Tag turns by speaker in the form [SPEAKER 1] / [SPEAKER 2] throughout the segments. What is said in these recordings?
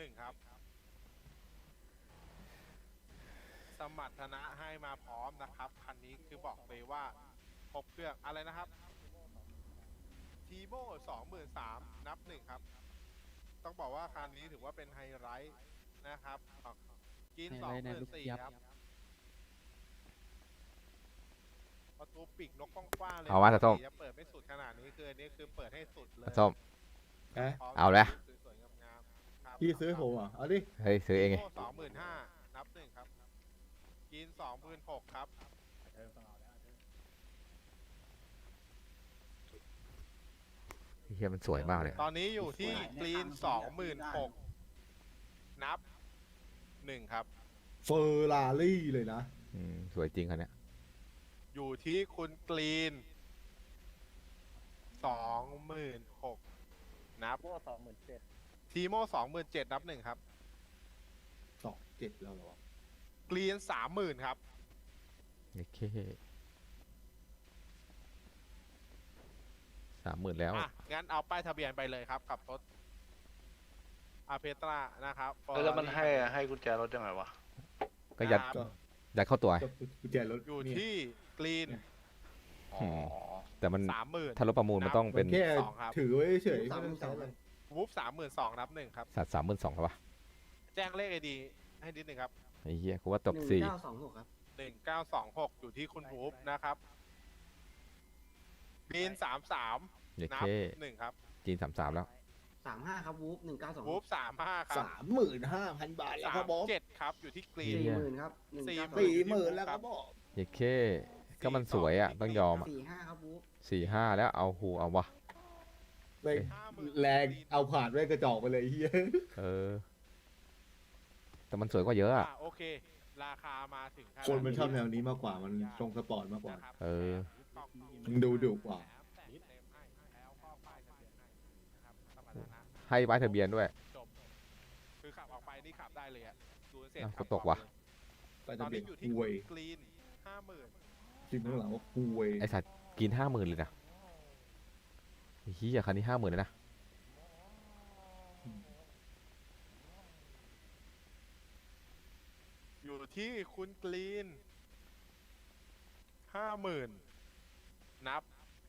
[SPEAKER 1] 1ครับสมรรถนะให้มาพร้อมนะครับคันนี้คือบอกเลยว่าครบเครื่องอะไรนะครับทีโม่23,000นับ1ครับต้องบอกว่าคันนี้ถือว่าเป็นไฮไลท์นะครับกิน
[SPEAKER 2] ไฮไลท์ในลูกยับ
[SPEAKER 1] 24,000ครับประตูปีกนกกว้างๆเลย
[SPEAKER 3] เอาว่าตาส้ม
[SPEAKER 1] จะเปิดไม่สุดขนาดนี้คืออันนี้คือเปิดให้สุดเลย
[SPEAKER 3] ส้ม
[SPEAKER 4] ฮะ
[SPEAKER 3] เอาเลย
[SPEAKER 1] สวยๆงามๆครับ
[SPEAKER 4] พี่ซื้อผมเหรอเอาดิ
[SPEAKER 3] เฮ้ยซื้อเองไง
[SPEAKER 1] 25,000นับ1ครับกิน26,000ครับ
[SPEAKER 3] เฮียมันสวยมากเลย
[SPEAKER 1] ตอนนี้อยู่ที่กรีน26,000นับ1ครับ
[SPEAKER 4] เฟอร์รารี่เลยนะ
[SPEAKER 3] สวยจริงคันเนี้ย
[SPEAKER 1] อยู่ที่คุณกรีน26,000นับทีโม่27,000นับ1ครับ
[SPEAKER 4] 27แล้วเหรอก
[SPEAKER 1] รีน30,000ครับ
[SPEAKER 3] โอเค30,000แล้ว
[SPEAKER 1] อ่ะงั้นเอาป้ายทะเบียนไปเลยครับกับรถอาเพตรานะครับ
[SPEAKER 5] แล้วมันให้กุญแจรถยังไงวะ
[SPEAKER 3] ก็ยัด
[SPEAKER 1] ครับ
[SPEAKER 3] ยัดเข้าตัว
[SPEAKER 4] ก็กุญแจรถ
[SPEAKER 1] อยู่
[SPEAKER 4] เนี่ย
[SPEAKER 1] ที่กรีน
[SPEAKER 5] อ๋อ
[SPEAKER 3] แต่มัน
[SPEAKER 1] 30,000
[SPEAKER 3] ถ้ารถประมูลมันต้องเป็น
[SPEAKER 4] แค่
[SPEAKER 1] สองครับ
[SPEAKER 4] ถือไว้เฉยๆไม่ต้องใช้เลย
[SPEAKER 1] วูฟ32,000นับ1ครับ
[SPEAKER 3] สัตว์32,000ครับวะ
[SPEAKER 1] แจ้งเลขไอดีให้นิดนึงครับ
[SPEAKER 3] ไอ้เหี้ยกูว่าตก4
[SPEAKER 6] 1926 ครับ
[SPEAKER 1] 1926อยู่ที่คุณวูฟนะครับกรีน33
[SPEAKER 3] โอ
[SPEAKER 1] นั
[SPEAKER 3] เค
[SPEAKER 1] บ1ครับ
[SPEAKER 3] จีน33แล้ว
[SPEAKER 6] 35 ครับ วูฟ
[SPEAKER 1] วูฟ
[SPEAKER 6] 1926
[SPEAKER 1] 35ครับ
[SPEAKER 4] 35,000 บาทแล้วครับบอส
[SPEAKER 1] 37ครับอยู่ที่กรีน
[SPEAKER 3] เหี้ย
[SPEAKER 6] 40,000 ครับ
[SPEAKER 4] 40,000แล้วครับบอส
[SPEAKER 3] โอเคก็มันสวยอ่ะต้องยอมอ่ะ
[SPEAKER 6] 45 ครับ วูฟ
[SPEAKER 3] 45แล้วเอาหูเอาวะ
[SPEAKER 4] ไปแรงเอาผ่านไว้กระจอกไปเลยเฮีย
[SPEAKER 3] เออ แต่มันสวยกว่าเยอะอ่ะ
[SPEAKER 1] โอเค ราคามาถึงขนาด
[SPEAKER 4] คนมันชอบแนวนี้มากกว่ามันตรงสปอร์ตมากกว่า
[SPEAKER 1] นะครับ
[SPEAKER 3] เออ
[SPEAKER 4] มันดูดุกว่า
[SPEAKER 1] แล้วก็ป้ายทะเบียนให้นะครับสมรรถนะ
[SPEAKER 3] ให้ไว้ทะเบียนด้วย
[SPEAKER 1] จบคือขับออกไปนี่ขับได้เลยอะศูนย์เสร็จ
[SPEAKER 3] อ้าว
[SPEAKER 1] ขับ
[SPEAKER 3] ตกว่ะ
[SPEAKER 4] ไป
[SPEAKER 1] ตอ
[SPEAKER 4] ทะ
[SPEAKER 1] น
[SPEAKER 4] เบีย
[SPEAKER 1] นี้
[SPEAKER 4] น
[SPEAKER 1] อยู่ที่
[SPEAKER 4] คุย
[SPEAKER 1] กรีน50,000
[SPEAKER 4] จริงข้างหลังว่าคุย
[SPEAKER 3] ไอสัตว์กิน50,000เลยนะไอ้เหี้ยคันนี้50,000เลยนะ
[SPEAKER 1] อยู่ที่คุณกรีน50,000นับ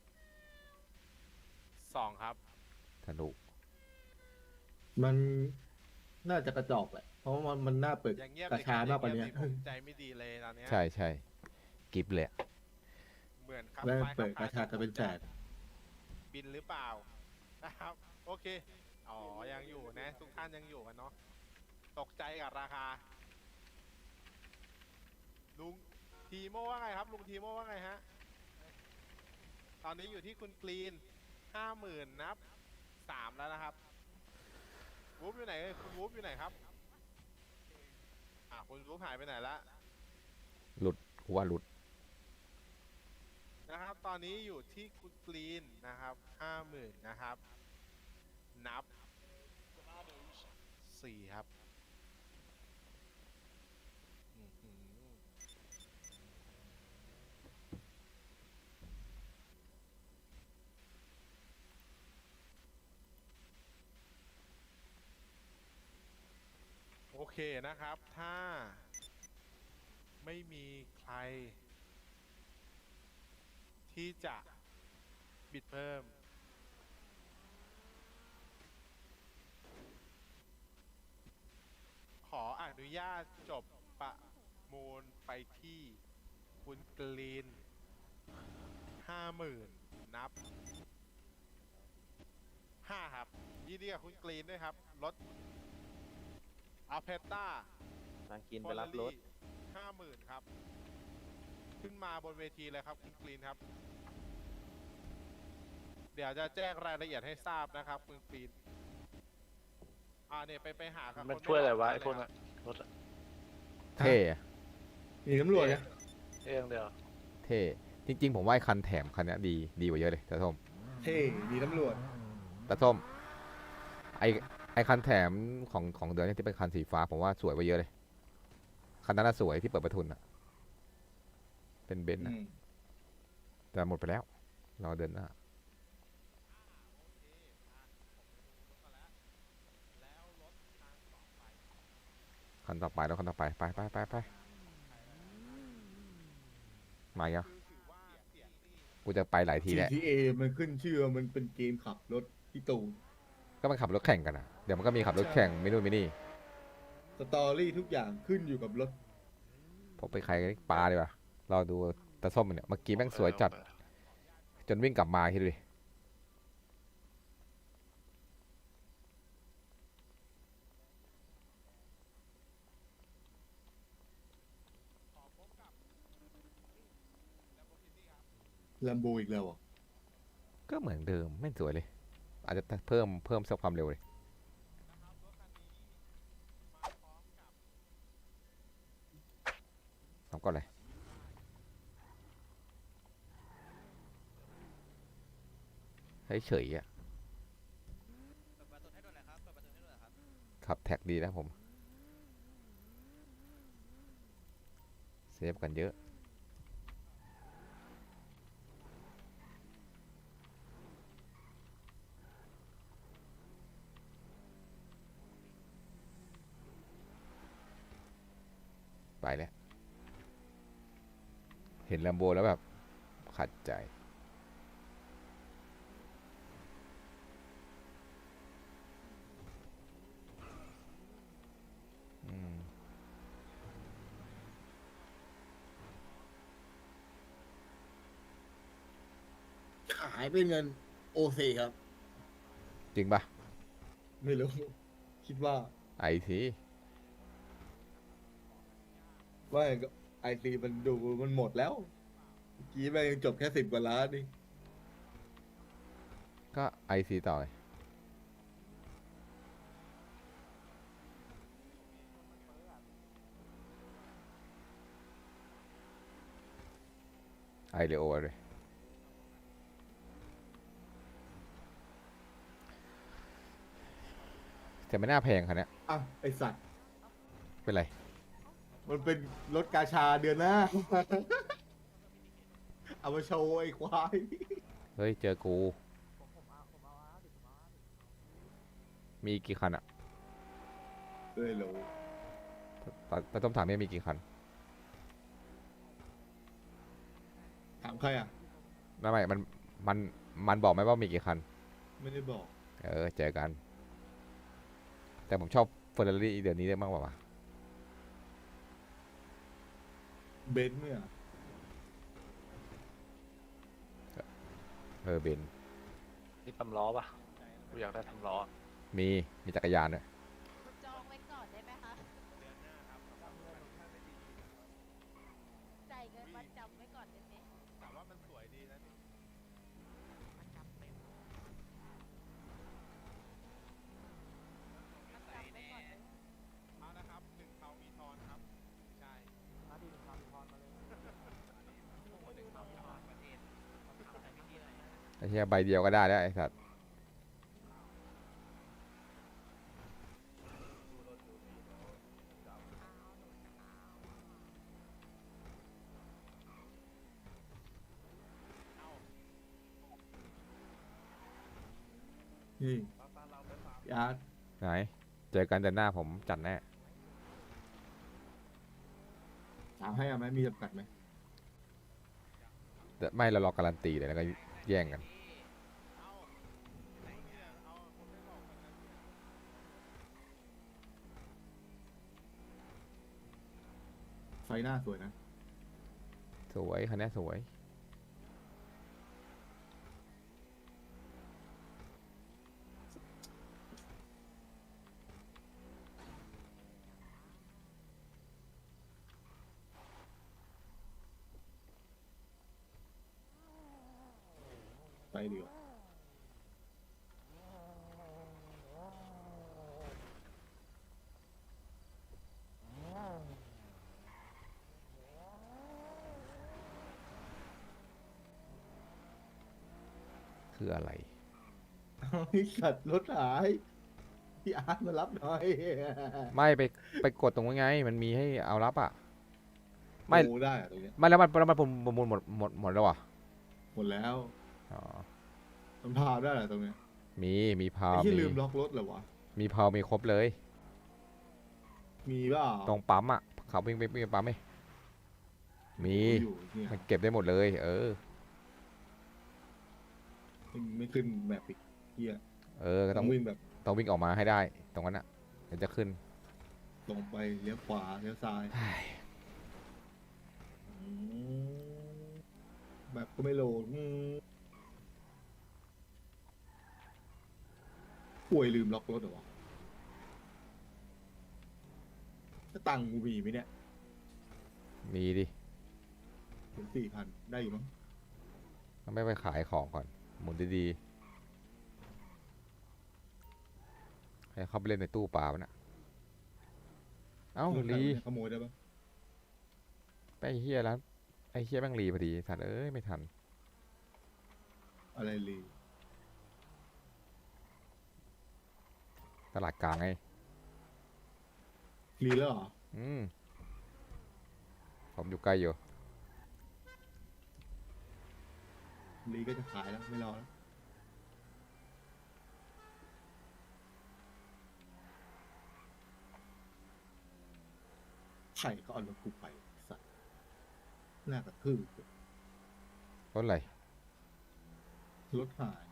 [SPEAKER 1] 2ครับ
[SPEAKER 3] สนุก
[SPEAKER 4] มันน่าจะกระจอกแหละ เพราะว่ามันน่าเปิด
[SPEAKER 1] อย่างเงียบ
[SPEAKER 4] กระชามากกว่านี้
[SPEAKER 1] ผมใจไม่ดีเลยตอนเนี้ย
[SPEAKER 3] ใช่ใช่กิฟเลยอะ
[SPEAKER 1] เหมือนครับ
[SPEAKER 4] แล้ว
[SPEAKER 1] ไฟ
[SPEAKER 4] เปิด
[SPEAKER 1] ขับ
[SPEAKER 4] กระชาจะเป็นแสน
[SPEAKER 1] บินหรือเปล่านะครับโอเคอ๋อยังอยู่นะทุกท่านยังอยู่กันเนาะตกใจกับราคาลุงทีโมว่าไงครับลุงทีโมว่าไงฮะตอนนี้อยู่ที่คุณกรีน50,000นับ3แล้วนะครับวูฟอยู่ไหนคุณวูฟอยู่ไหนครับคุณวูฟหายไปไหนละ
[SPEAKER 3] หลุดกูว่าหลุด
[SPEAKER 1] นะครับตอนนี้อยู่ที่คุณกรีนนะครับ50,000นะครับนับ4ครับอื้อหือโอเคนะครับถ้าไม่มีใครที่จะบิดเพิ่มขออนุญาตจบประมูลไปที่คุณกรีน50,000นับ5ครับยินดีกับคุณกรีนด้วยครับรถอัลเพตต้า
[SPEAKER 2] ทางกินไปรับรถ
[SPEAKER 1] 50,000ครับขึ้นมาบนเวทีเลยครับคุณกรีนครับเดี๋ยวจะแจ้งรายละเอียดให้ทราบนะครับคุณกรีนเนี่ยไปหากับ
[SPEAKER 5] มัน
[SPEAKER 1] คน
[SPEAKER 5] ช่วยอะไรวะ
[SPEAKER 1] ด้
[SPEAKER 5] ไอ้พวกนั้นรถอะ
[SPEAKER 3] เท่อะ
[SPEAKER 4] มีตำรวจนะ
[SPEAKER 5] เองเดียว
[SPEAKER 3] เท่จริงๆผมว่าไอ้คันแถมคันเนี้ยดีกว่าเยอะเลยตาส้ม
[SPEAKER 4] เท่มีตำรวจ
[SPEAKER 3] ตาส้มไอคันแถมของเดือนนี้ที่เป็นคันสีฟ้าผมว่าสวยกว่าเยอะเลยคันนั้นน่ะสวยที่เปิดประทุนอะเป็นเบนซ์นะแต่หมดไปแล้วรอเดินหน้า
[SPEAKER 1] แล้วรถทาง2
[SPEAKER 3] คันต่อไปแล้วคันต่อไปไปมาอีกแล้วกูจะไปหลายทีแหละ
[SPEAKER 4] GTA มันขึ้นชื่อว่ามันเป็นเกมขับรถพี่ตูน
[SPEAKER 3] ก็มันขับรถแข่งกันอ่ะเดี๋ยวมันก็มีขับรถแข่งไม่นู่นไม่นี่
[SPEAKER 4] สตอรี่ทุกอย่างขึ้นอยู่กับรถ
[SPEAKER 3] ผมไปใครปลาดีกว่ารอดูตาส้มมันเนี่ยเมื่อกี้แม่งสวยจัดจนวิ่งกลับมาคิดดูดิ
[SPEAKER 4] แลมโบอีกแล้วอ่ะ
[SPEAKER 3] ก็เหมือนเดิมไม่สวยเลย อาจจะเพิ่มสักความเร็วเลยทำก่อนเลยเฉยๆอ่ะขับแท็กดีนะผมเซฟกันเยอะไปแล้วเห็นแลมโบแล้วแบบขัดใจอืม
[SPEAKER 4] ขายเป็นเงินโอซีครับ
[SPEAKER 3] จริงปะ
[SPEAKER 4] ไม่รู้ คิดว่า
[SPEAKER 3] ไอที
[SPEAKER 4] ว่าไอซีมันดูมันหมดแล้วเมื่อกี้แม่งยังจบแค่10 กว่าล้านนี่
[SPEAKER 3] ก็ไอซีต่อเลยไอเรโอเลยแต่ไม่น่าแพงคันเนี้ย
[SPEAKER 4] อ่ะ ไอสัตว์
[SPEAKER 3] เป็นไร
[SPEAKER 4] มันเป็นรถกาชาเดือนหน้า เอามาโชว์ไอ้ควาย
[SPEAKER 3] เฮ้ย เจอกู มีกี่คันอะ
[SPEAKER 4] เลยเหรอ
[SPEAKER 3] ตาต้มถามเนี่ยมีกี่คัน
[SPEAKER 4] ถามใครอ่ะ
[SPEAKER 3] ไม่มันบอกไหมว่ามีกี่คัน
[SPEAKER 4] ไม่ได้บอก
[SPEAKER 3] เจอกัน แต่ผมชอบเฟอร์รารี่เดือนนี้ได้มากกว่า
[SPEAKER 4] เบนซ์เนี่ย
[SPEAKER 3] เบน
[SPEAKER 5] นี่ทำล้อปะกูอยากได้ทำล้อ
[SPEAKER 3] มีจักรยานด้วย
[SPEAKER 7] จองไว้ก่อนได้ไหมคะจ่ายเงินมัดจำไว้ก่อนได้ไหม
[SPEAKER 1] แต่ว่ามันสวยดีนะนี่
[SPEAKER 7] มัดจำไว้ก่อนได้ไหม
[SPEAKER 1] เอาละครับหนึ่งเทามีทอนครับ ใช่
[SPEAKER 3] ไอ้เหี้ยใบเดียวก็ได้แล้วไอ้สัตว์
[SPEAKER 4] นี่พี่อาร์ต
[SPEAKER 3] ไหน เจอกันเดือนหน้าผมจัดแน่
[SPEAKER 4] ถามให้เอาไหมมีจำกัดไหม
[SPEAKER 3] แต่ไม่เรารอการันตีเลยแล้วก็แย่งกัน
[SPEAKER 4] ไฟหน้าสวยนะ
[SPEAKER 3] สวยคันนี้สวย
[SPEAKER 4] ไปดีกว่า
[SPEAKER 3] คืออะไร
[SPEAKER 4] เอาไอ้สัตว์รถหาย พี่อาร์ตมารับหน่อย
[SPEAKER 3] ไม่ไปกดตรงนี้ไง มันมีให้เอารับอ่ะ ไม่
[SPEAKER 4] โอ้ได้อะตรงเนี้ย
[SPEAKER 3] ไม่แล้วมันประมูลหมดแล้วอ่ะ
[SPEAKER 4] หมดแล้ว
[SPEAKER 3] อ๋อ
[SPEAKER 4] มันพาวได้เหรอตรงเนี้ย
[SPEAKER 3] มีพา
[SPEAKER 4] ไอ้
[SPEAKER 3] ว
[SPEAKER 4] ที่ลืมล็อกรถเหรอวะ
[SPEAKER 3] มีพาวมีครบเลย
[SPEAKER 4] มีเปล่า
[SPEAKER 3] ตรงปั๊มอ่ะเขาวิ่งไปปั๊มไหมมี
[SPEAKER 4] อยู่เนี่ย
[SPEAKER 3] มันเก็บได้หมดเลย เออ
[SPEAKER 4] ไม่ขึ้นแมปอีกเฮีย
[SPEAKER 3] เออก็
[SPEAKER 4] ต้
[SPEAKER 3] ต้
[SPEAKER 4] อ
[SPEAKER 3] อง ง
[SPEAKER 4] วิ่งแบบ
[SPEAKER 3] ต้องวิ่งออกมาให้ได้ ตรงนั้นอ่ะเดี๋ยวจะขึ้น
[SPEAKER 4] ตรงไปเลี้ยวขวาเลี้ยวซ้ายอืมแบบก็ไม่โหลดป่วยลืมล็อกรถเหรอวะถ้าตังค์กูมีไหมเนี่ย
[SPEAKER 3] มีดิ
[SPEAKER 4] ถึง4,000ได้อยู่มั้ง
[SPEAKER 3] ต้องไม่ไปขายของก่อน หมุนดีๆให้เข้าไปเล่นในตู้ปลามันอ่ะ เอ้าลี
[SPEAKER 4] ขโมยได้ปะ
[SPEAKER 3] ไปไอ้เฮียแล้วไอ้เฮียแม่งรีพอดีสัตว์เอ้ยไม่ทัน
[SPEAKER 4] อะไรลี
[SPEAKER 3] ตลาดกลางไง
[SPEAKER 4] ลีแล้วเหรอ
[SPEAKER 3] ผมอยู่ใกล้อยู่
[SPEAKER 4] ลีก็จะขายแล้วไม่รอแล้วไข่ก็เอารถกูไปสัตว์น่ากระทืบ
[SPEAKER 3] รถอะไร
[SPEAKER 4] รถหาย